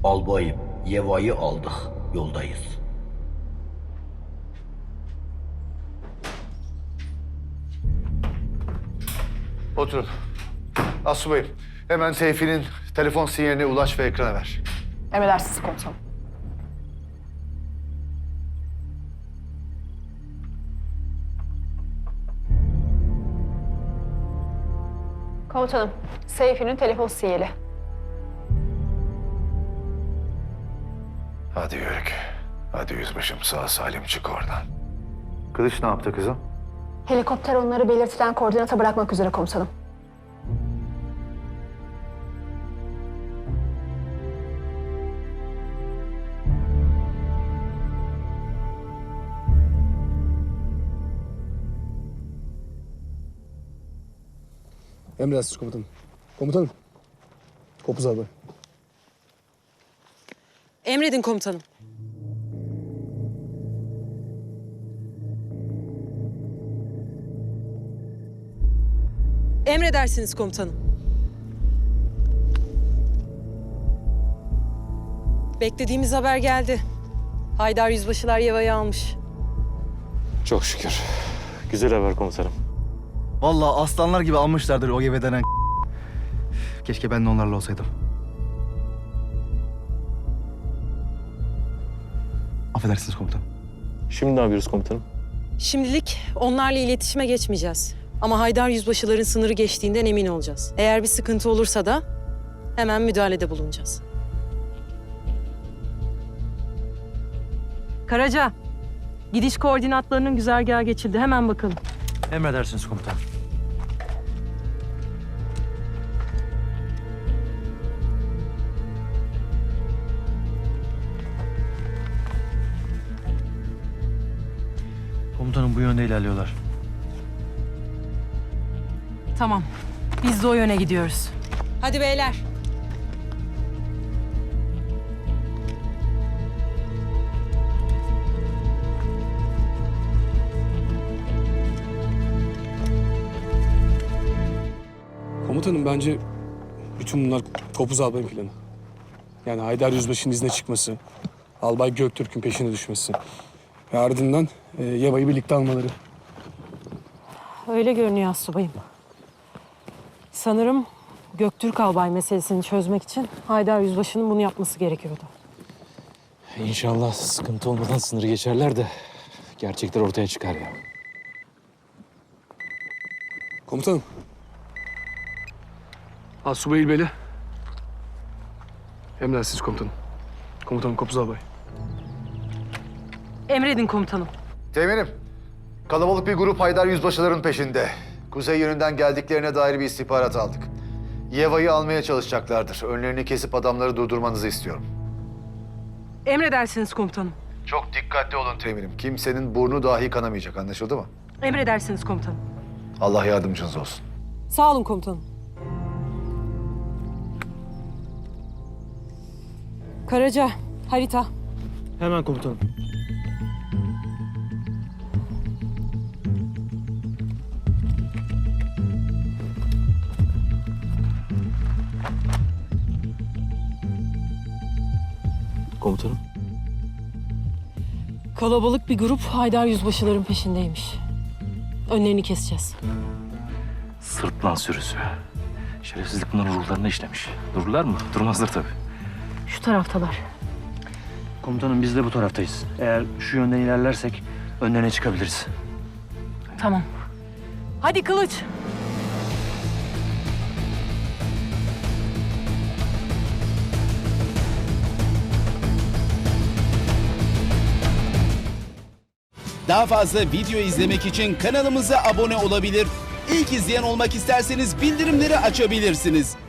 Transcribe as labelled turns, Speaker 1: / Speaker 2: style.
Speaker 1: Albayım, Yeva'yı aldık. Yoldayız.
Speaker 2: Oturun. Asubayım, hemen Seyfi'nin telefon sinyaline ulaş ve ekrana ver.
Speaker 3: Emredersiniz komutanım. Komutanım, Seyfi'nin telefon sinyali.
Speaker 2: Hadi Yörük. Hadi yüzbaşım, sağ salim çık oradan. Kılıç ne yaptı kızım?
Speaker 3: Helikopter onları belirtilen koordinata bırakmak üzere komutanım.
Speaker 4: Emredersiniz komutanım. Komutanım. Kopuz abi.
Speaker 5: Emredin komutanım. Emredersiniz komutanım. Beklediğimiz haber geldi. Haydar Yüzbaşılar Yeva'yı almış.
Speaker 6: Çok şükür. Güzel haber komutanım.
Speaker 7: Vallahi aslanlar gibi almışlardır o gibi denen. Keşke ben de onlarla olsaydım. Affedersiniz komutanım.
Speaker 6: Şimdi ne yapıyoruz komutanım?
Speaker 5: Şimdilik onlarla iletişime geçmeyeceğiz. Ama Haydar Yüzbaşıların sınırı geçtiğinden emin olacağız. Eğer bir sıkıntı olursa da hemen müdahalede bulunacağız. Karaca, gidiş koordinatlarının güzergahı geçildi. Hemen bakalım.
Speaker 7: Emredersiniz komutanım. Komutanım bu yönde ilerliyorlar.
Speaker 5: Tamam, biz de o yöne gidiyoruz. Hadi beyler.
Speaker 4: Komutanım bence bütün bunlar Kopuz Albay'ın planı. Yani Haydar Yüzbaşı'nın izne çıkması, Albay Göktürk'ün peşine düşmesi ve ardından Yeva'yı birlikte almaları.
Speaker 5: Öyle görünüyor astsubayım. Sanırım Göktürk Albay meselesini çözmek için Haydar Yüzbaşı'nın bunu yapması gerekiyordu.
Speaker 6: İnşallah sıkıntı olmadan sınırı geçerler de gerçekler ortaya çıkar ya.
Speaker 4: Komutanım. Asubay İlbeli. Emredersiniz komutanım. Komutanım Kopuz Albay.
Speaker 5: Emredin komutanım.
Speaker 2: Teminim, kalabalık bir grup Haydar Yüzbaşıların peşinde. Kuzey yönünden geldiklerine dair bir istihbarat aldık. Yeva'yı almaya çalışacaklardır. Önlerini kesip adamları durdurmanızı istiyorum.
Speaker 5: Emredersiniz komutanım.
Speaker 2: Çok dikkatli olun Teminim. Kimsenin burnu dahi kanamayacak, anlaşıldı mı?
Speaker 5: Emredersiniz komutanım.
Speaker 2: Allah yardımcınız olsun.
Speaker 5: Sağ olun komutanım. Karaca, harita.
Speaker 7: Hemen komutanım.
Speaker 6: Komutanım.
Speaker 5: Kalabalık bir grup Haydar Yüzbaşıların peşindeymiş. Önlerini keseceğiz.
Speaker 6: Sırtlan sürüsü. Şerefsizlik bunların ruhlarına işlemiş. Dururlar mı? Durmazlar tabii.
Speaker 5: Şu taraftalar.
Speaker 7: Komutanım biz de bu taraftayız. Eğer şu yönden ilerlersek önlerine çıkabiliriz.
Speaker 5: Tamam. Hadi Kılıç.
Speaker 8: Daha fazla video izlemek için kanalımıza abone olabilir. İlk izleyen olmak isterseniz bildirimleri açabilirsiniz.